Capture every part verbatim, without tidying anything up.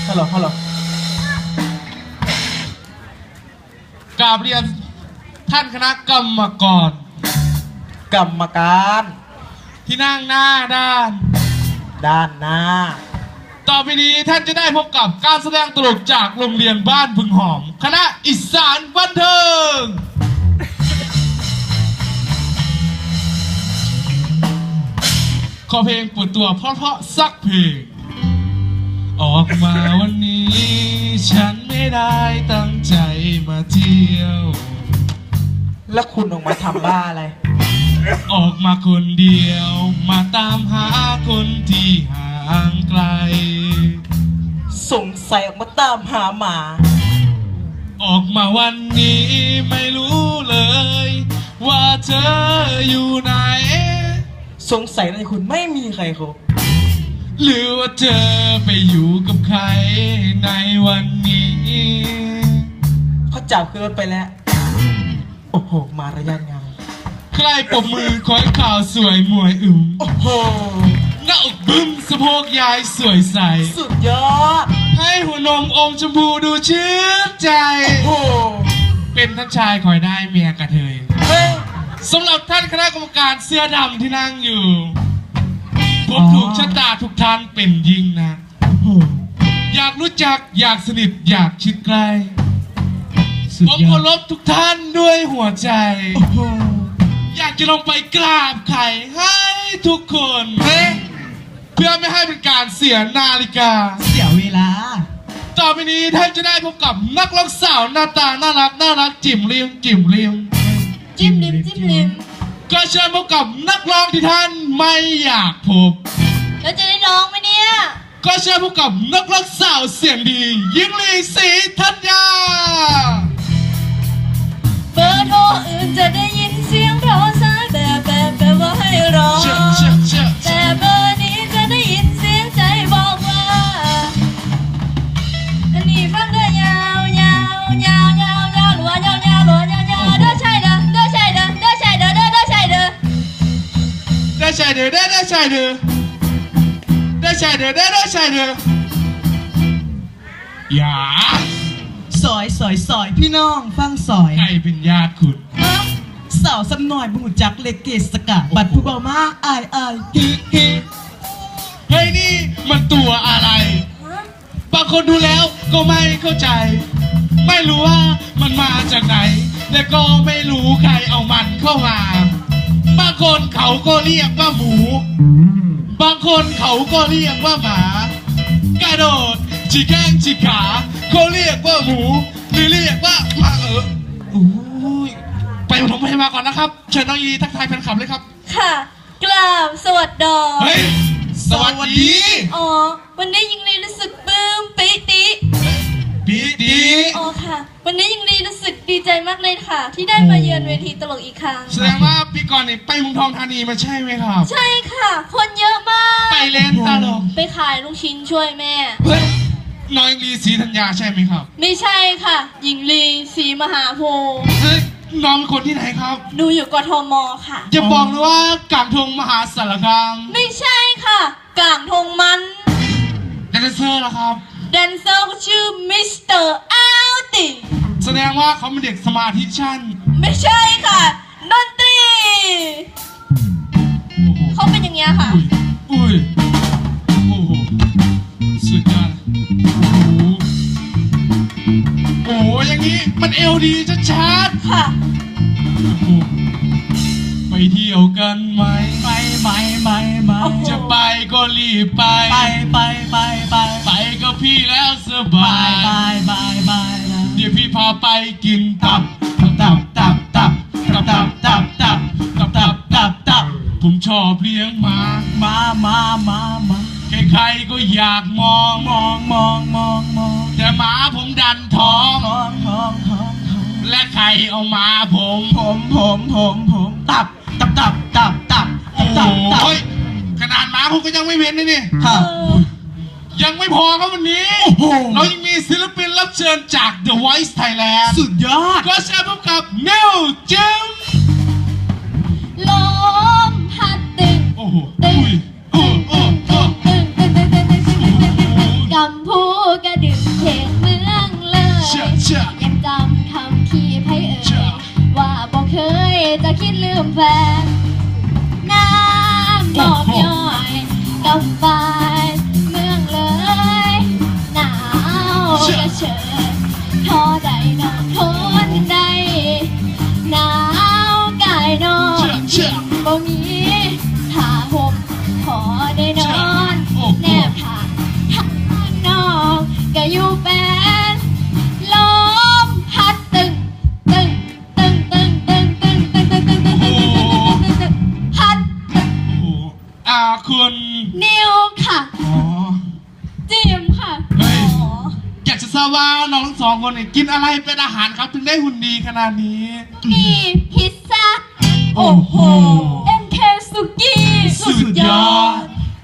ฮัลโหลฮัลโหลกราบเรียนท่านคณะกรรมกรกรรมการที่นั่งหน้าด้านด้านหน้าต่อไปนี้ท่านจะได้พบกับการแสดงตลกจากโรงเรียนบ้านพึงหอมคณะอีสานบันเทิงขอเพลงเปิดตัวเพราะๆสักเพลงออกมาวันนี้ฉันไม่ได้ตั้งใจมาเที่ยวแล้วคุณออกมาทำบ้าอะไรออกมาคนเดียวมาตามหาคนที่ห่างไกลสงสัยออกมาตามหาหมาออกมาวันนี้ไม่รู้เลยว่าเธออยู่ไหนสงสัยในคุณไม่มีใครคบหรือว่าเธอไปอยู่กับใครในวันนี้เขาจับขึ้นรถไปแล้วโอ้โหมารยาทงามใครปรบมือคอยข่าวสวยมวยอึมโอ้โหหน้าอกบึ้มสะโพกยายสวยใสสุดยอดให้หัวนมอมชมพูดูชื่นใจโอ้โหเป็นท่านชายคอยได้เมียกระเทยเฮ้ยสำหรับท่านคณะกรรมการเสื้อดำที่นั่งอยู่ผมถูกชะตาทุกท่านเป็นยิ่งนะอยากรู้จักอยากสนิทอยากชิดใกล้ผมเคารพทุกท่านด้วยหัวใจอยากจะลงไปกราบไข่ให้ทุกคนเพื่อไม่ให้เป็นการเสียนาฬิกาเสียเวลาต่อไปนี้ท่านจะได้พบกับนักร้องสาวหน้าตาน่ารักน่ารักจิ๋มเลียมจิ๋มเลียมจิ้มลิมจิ้มลิมก็เชิญพบกับนักร้องที่ท่านไม่อยากพบแล้วจะได้ร้องไหมเนี่ยก็เชิญพบกับนักร้องสาวเสียงดียิ่งลีศรีธัญญาเบอร์โทรอื่นจะได้ยินเสียงรอสายแบบแบบแบบว่าให้รอแต่เบอร์นี้จะได้ยินเสียงใจบอกว่าอันนี้ฟังได้ยาวยาวยาวยาวยาวหรือว่ายาวยาวหรือว่ายาวยาวเด้อใช่เด้อเด้อใช่เด้อเด้อใช่เด้อเด้อเด้อใช่เด้อเด้อใช่เด้อเด้อเด้อใช่เด้อเด้อใช่เด้อเด้อเด้อใช่เด้ออย่าสอยสอยสอยพี่น้องฟังสอยใครเป็นญาติคุณสาวสำหน่อยบุญจักเล็กเกสกาบัดผู้เบามาอายอายฮิฮิเฮ้ยนี่มันตัวอะไรบางคนดูแล้วก็ไม่เข้าใจไม่รู้ว่ามันมาจากไหนและก็ไม่รู้ใครเอามันเข้ามาบางคนเขาก็เรียกว่าหมูบางคนเขาก็เรียกว่าหมากระโดดฉีกแข้งฉีกขาเขาเรียกว่าหมูหรือเรียกว่าหมาเอออุ้ยไปปฐมพยาบาลก่อนนะครับเชิญน้องยีทักทายแฟนคลับเลยครับค่ะกราบสวัสดีเฮ้ยสวัสดีอ๋อวันนี้ยิงลีรู้สึกปลื้มปิติปิติอ๋อค่ะวันนี้ยิงลีรู้สึกดีใจมากเลยค่ะที่ได้มาเยือนเวทีตลกอีกครั้งแสดงว่าปีก่อนนี่ไปเมืองทองธานีมาใช่ไหมครับใช่ค่ะคนเยอะมากไปเล่นตลกไปขายลูกชิ้นช่วยแม่เฮ้ยน้อยลีศรีธัญญาใช่ไหมครับไม่ใช่ค่ะหญิงลีศรีมหาโพธิ์เฮ้ยน้องเป็นคนที่ไหนครับดูอยู่กทมค่ะจะบอกเลยว่ากางทงมหาสารคามไม่ใช่ค่ะกางทงมันแดนเซอร์ล่ะครับแดนเซอร์ชื่อมิสเตอร์อัลติแสดงว่าเขาเป็นเด็กสมาธิชั้นไม่ใช่ค่ะดนตรีเขาเป็นอย่างเงี้ยค่ะอุ้ยโอ้โหสุดยอดโอ้โหอย่างนี้มันเอวดีชัดๆค่ะไปเที่ยวกันไหมไปไปไปไปจะไปก็รีบไปไปไปไปไปไปกับพี่แล้วสบายไปไปไปเดี๋ยวพี่พาไปกินตับตับตับตับตับตับตับตับตับตับตับตับผมชอบเลี้ยงหมามามามามาใครๆก็อยากมองมองมองมองมองแต่หมาผมดันท้องท้องท้องท้องและใครเอาหมาผมผมผมผมผมตับตับตับตับตับตับตับขนาดหมาผมก็ยังไม่เว้นเลยนี่ยังไม่พอครับวันนี้เรายังมีศิลปินรับเชิญจาก The Voice Thailand สุดยอดก็เชิญพบกับนิวจิมลมพัดตึงโอ้โหตึงตึงตึงตึงตึงตึงตึงตึงกำพูกระดึนน้ำบอกย่อยกับไฟเมืองเลยหนาวกระเชิญทอใดนอนทนใดหนาวกายนอนบ่มีผ้าห่มขอได้นอนแนบผ้าข้างนอกก็อยู่เป็นลมพัดตึงตึงตึงตึงตึงตึงตึงตึงตึงตึงตึงตึงตึงพัดตึงโอ้อ่าคุณนิวค่ะอ๋อจิมค่ะเฮ้ยอ๋ออยากจะทราบว่าน้องทั้งสองคนเนี่ยกินอะไรเป็นอาหารครับถึงได้หุ่นดีขนาดนี้มีพิซซ่าโอ้โหเอ็มเคสุกี้สุดยอด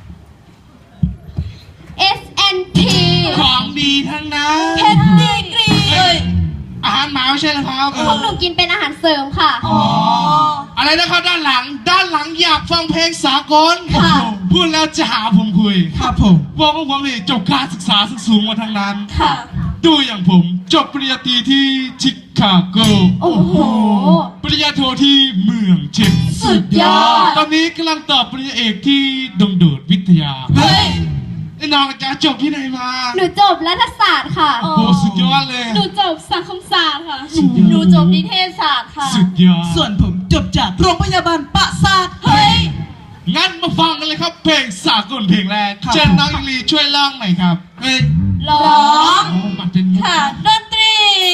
เอส เอ็น ทีของดีทั้งนั้นเพชรดีกรีเอ้ยอาหารหมาไม่ใช่เหรอครับพวกหนูกินเป็นอาหารเสริมค่ะอ๋ออะไรนะครับด้านหลัง ด้านหลังอยากฟังเพลงสากลค่ะพูดแล้วจะหาผมคุยครับผมบอกว่าผมนี่จบการศึกษาสูงมาทางนั้นค่ะดูอย่างผมจบปริญญาตรีที่ชิคาโกโอ้โหปริญญาโทที่เมืองเชนสุดยอดตอนนี้กำลังต่อปริญญาเอกที่ดงโดดวิทยาเฮ้ยไอ้น้องจะจบที่ไหนมาหนูจบรัฐศาสตร์ค่ะโอ้โหสุดยอดเลยหนูจบสังคมศาสตร์ค่ะสุดยอดหนูจบนิเทศศาสตร์ค่ะสุดยอดส่วนผมจบจากโรงพยาบาลปะซาทเฮ้ยงั้นมาฟังกันเลยครับเพลงสากลเพลงแรกครับเชิญน้องอิลีช่วยร้องหน่อยครับเฮ้ยร้องโอ้มันเป็นมุกค่ะ ดนตรี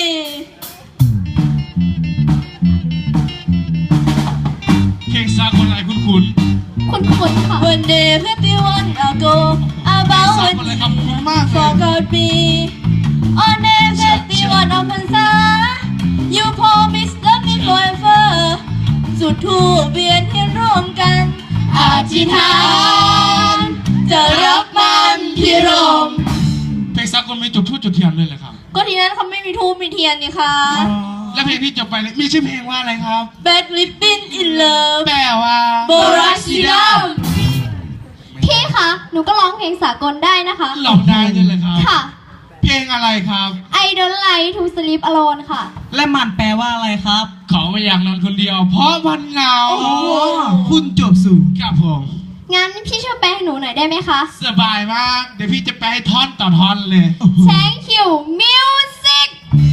เพลงสากลอะไรคุ้นคุ้นคุณคุณค่ะ One day fifty-one ago about สากลอะไรครับคุ้นมากเลย forgot me on day fifty-one of พรรษา you promised love me forever สุดทูปเวียนเทียนร่วมกันอธิษฐานจะรับมันพิรมเพลงสากลมีจุดทูบจุดเทียนเลยเหรอครับก็ทีนั้นเขาไม่มีทูปมีเทียนนี่ค่ะแล้วเพลงที่จบไปเนี่ยมีชื่อเพลงว่าอะไรครับ Bad Living in Love แปลว่าโบราชิดัมพี่คะ หนูก็ร้องเพลงสากลได้นะคะหลอกได้ด้วยเลยครับค่ะเพลงอะไรครับ I don't like to sleep alone ค่ะและมันแปลว่าอะไรครับเขาไม่อยากนอนคนเดียว เพราะมันเหงาอ๋อคุณจบสู่ครับผมงั้นพี่ช่วยแปลให้หนูหน่อยได้ไหมคะสบายมาก เดี๋ยวพี่จะไปให้ท่อนต่อท่อนเลย Thank you music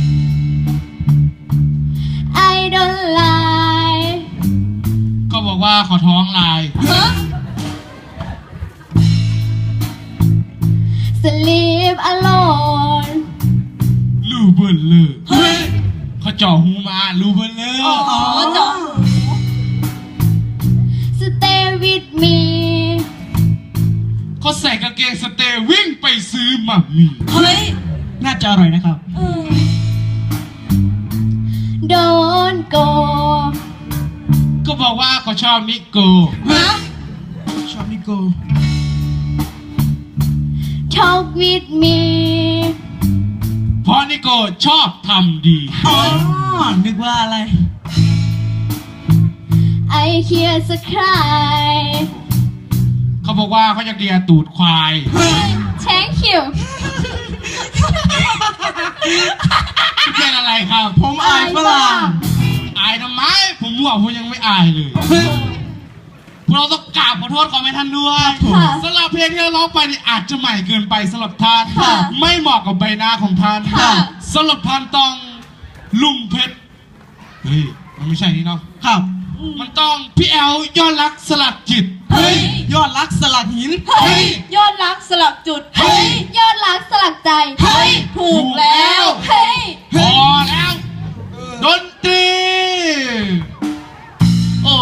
I don't like ก็บอกว่าขอท้องลาย Sleep alone ลูเบิร์เลอร์เฮ้ยเขาเจ่อหูมาลูเบิร์เลอร์อ๋อเจาะ Stay with me เขาใส่กางเกงสเตย์วิ่งไปซื้อหมักหมี่เฮ้ยน่าจะอร่อยนะครับ Don't go ก็บอกว่าเขาชอบนิโก้ฮะชอบนิโก้ Talk with me เพราะนิโก้ชอบทำดีอ๋อ นึกว่าอะไร I hear the cry เขาบอกว่าเขาอยากเดียตูดควาย Thank you เป็นอะไรครับผมอายฝรั่งอายทำไม ผมว่าผมยังไม่อายเลย เราต้องกราบขอโทษขอไม่ท่านด้วยค่ะสำหรับเพลงที่เราร้องไปนี่อาจจะใหม่เกินไปสำหรับท่านค่ะไม่เหมาะกับใบหน้าของท่านค่ะสำหรับท่านต้องลุงเพชรเฮ้ยมันไม่ใช่นี่เนาะครับมันต้องพี่แอลยอดรักสลักจิตเฮ้ย ยอดรักสลักหินเฮ้ย ยอดรักสลักจุด เฮ้ย ยอดรักสลักใจ เฮ้ย ถูกแล้ว เฮ้ยพอแล้วดนตรีโอ้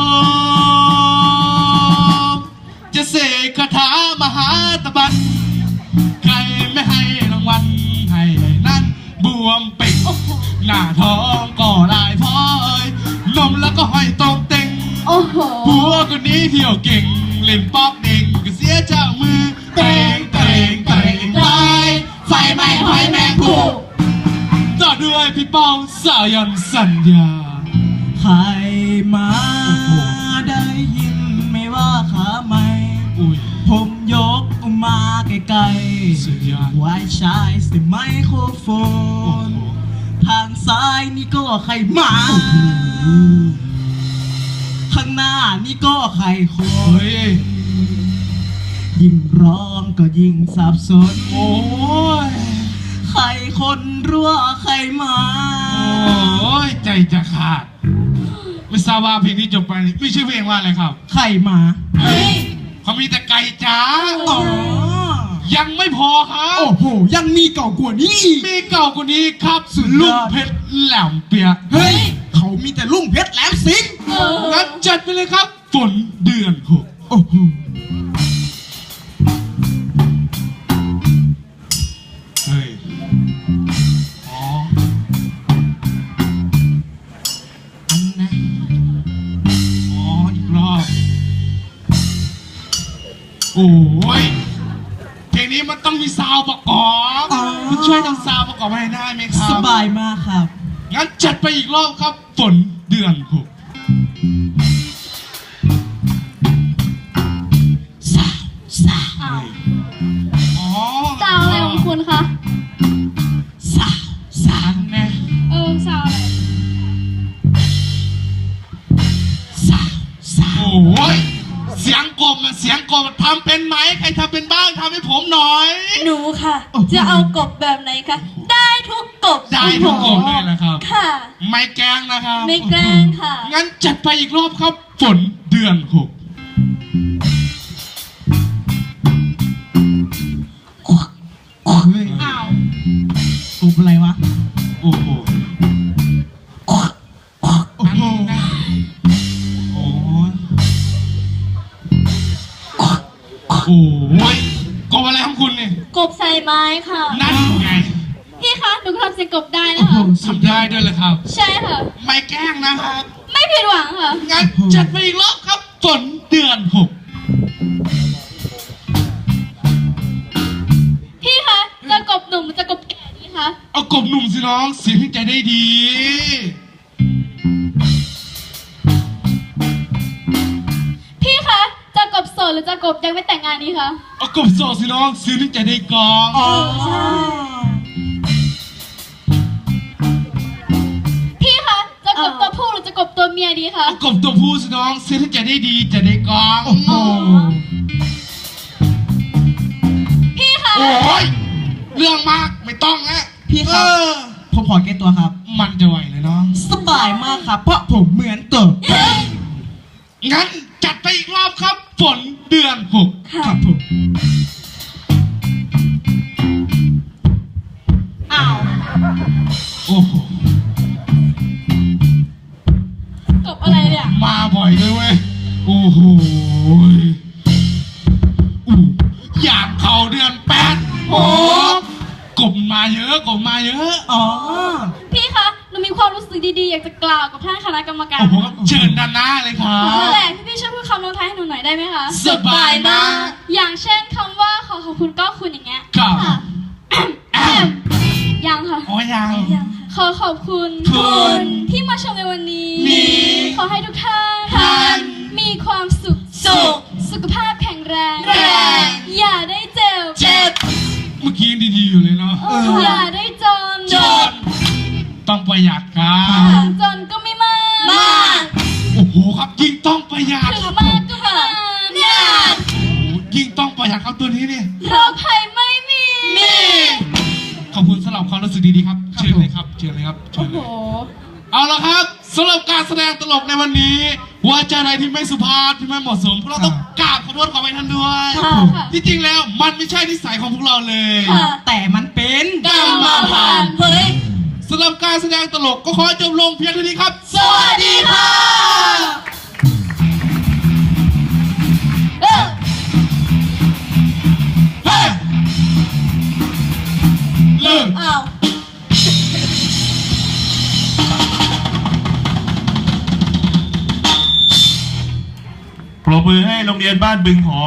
จะเสกคาถามหาตะบันใครไม่ให้รางวัลให้นั้นบวมเป่งหน้าท้องก็ลายพร้อยนมแล้วก็ห้อยตรงเต็งโอ้โหผัวคนนี้เที่ยวเก่งเล่นป๊อกเด้งก็เสียเจ้ามือเตงเตงเตงไฟไฟไหม้หอยแมงผู้ต่อด้วยพี่ป้องสายันสัญญาใครมาได้ยินไม่ว่าขาไม่อุ้ยผมยกมาไกลสุดยอดๆไว้ใช้เสียงไมโครโฟโอ้นโหทางซ้ายนี่ก็ใครมาข้างหน้านี่ก็ใครคเฮ้นยยิ่งร้องก็ยิ่งสับสนโอ้ยใครคนรั่วใครมาโอ้ยใจจะขาดไม่ทราบว่าเพลงนี้จบไปไม่ชื่อเพลงว่าอะไรครับใครมาเฮ้ยเขามีแต่ไก่จ้าอ๋อยังไม่พอครับโอ้โหยังมีเก่ากว่านี้อีกมีเก่ากว่านี้ครับสุดยลุอง ดเพชรแหลมเปียกเฮ้ยเขามีแต่ลุงเพชรแหลมสิงห์เอองั้นจัดไปเลยครับ ฝนเดือนหกโอ้โหเฮ้ย อ๋ออันนะอ๋อ อีกรอบ โอ้ย เพลงนี้มันต้องมีซาวด์ประกอบคุณช่วยทำซาวด์ประกอบให้ได้ไหมครับสบายมากครับงั้นจัดไปอีกรอบครับ ฝนเดือนหกสาวสาวอ้าวอ๋อสาวอะไรของคุณคะสาวสาวอันแน่เออสาวอะไรสาวสาวโอ้ย เสียงกบมันเสียงกบมันทำเป็นไหมใครทำเป็นบ้างทำให้ผมหน่อยหนูค่ะ จะเอากบแบบไหนคะ ได้ทุกกบได้ทุกกบเลยนะครับค่ะไม่แกล้งนะครับไม่แกล้งค่ะงั้นจัดไปอีกรอบครับ ฝนเดือนหกเฮ้ยอ้าวอุบอะไรวะโอ้โหโอ้โหโอ้ยโอ้ยกบอะไรของคุณเนี่ยกบใส่ไม้ค่ะนั่นไงพี่คะหนูก็ทำเสียงกบได้โอ้นะโหคะสุดทำได้ด้วยเลยครับใช่ค่ะไม่แกล้งนะครับไม่ผิดหวังค่ะงั้นจัดไปอีกรอบครับ ฝนเดือนหกพี่คะจะกบหนุ่มหรือจะกบแก่ดีคะเอากบหนุ่มสิน้องเสียงที่ใจได้ดีพี่คะจะกบโสดหรือจะกบยังไม่แต่งงานดีคะเอากบโสดสิน้องเสียงที่ใจได้กองอ๋อพี่คะจะกบตัวผู้หรือจะกบตัวเมียดีคะเอากบตัวผู้สิน้องเสียงที่ใจได้ดีจะได้กองโอ้โหพี่คะโอ้ยเรื่องมากไม่ต้องนะพี่ครับเออผมขอแก้ตัวครับมันจะไหวเลยน้องสบายมากครับ เพราะผมเหมือนเกิดงั้นจัดไปอีกรอบครับ ฝนเดือนหกค่ะครับผมอ้าวโอ้โหกบอะไรเนี่ยมาบ่อยด้วยเว้ย โอ้โหอู้อย่างเขาเดือนแปดโอ้กบมาเยอะกบมาเยอะอ๋อพี่คะหนูมีความรู้สึกดีๆ อยากจะกล่าวกับท่านคณะกรรมการโอ้โหเชิญด้านหน้าเลยครันั่นบแหละพี่พี่ช่วยพูดคำลงท้ายให้หนูหน่อยได้ไหมคะสบายมากอย่างเช่นคำว่าขอขอบคุณก็คุณอย่างเงี้ยครับค่ะยังค่ะอ๋อยังขอขอบคุณคุณที่มาชมในวันนี้นี้ขอให้ทุกท่านท่านมีความสุขสุขสุขภาพแข็งแรงแรงอย่าได้เจ็บเจ็บเมื่อกี้ยังดีๆอยู่เลยเนาะเอออย่าได้จนจนต้องประหยัดครับจนก็ไม่มากมากโอ้โหครับยิ่งต้องประหยัดถึงมากก็ไม่นานเนี่ยโอ้โหยิ่งต้องประหยัดครับตัวนี้เนี่ยโรคภัยไม่มีมีขอบคุณสำหรับความรู้สึกดีๆครับ เชิญเลยครับ เชิญเลยครับ เชิโอ้ญโหเลย เอาละครับสำหรับการแสดงตลกในวันนี้ว่าจะอะไรที่ไม่สุภาพที่ไม่เหมาะสมพวกเราต้องกราบขอโทษขอไปท่านด้วยค่ะค่ะที่จริงแล้วมันไม่ใช่นิสัยของพวกเราเลยค่ะแต่มันเป็นกรรมพันธุ์เฮ้ยสำหรับการแสดงตลกก็ขอจบลงเพียงเท่านี้ครับสวัสดีค่ะเออเฮ้ยเลิกอ้าวปรบมือให้โรงเรียนบ้านบึงหอ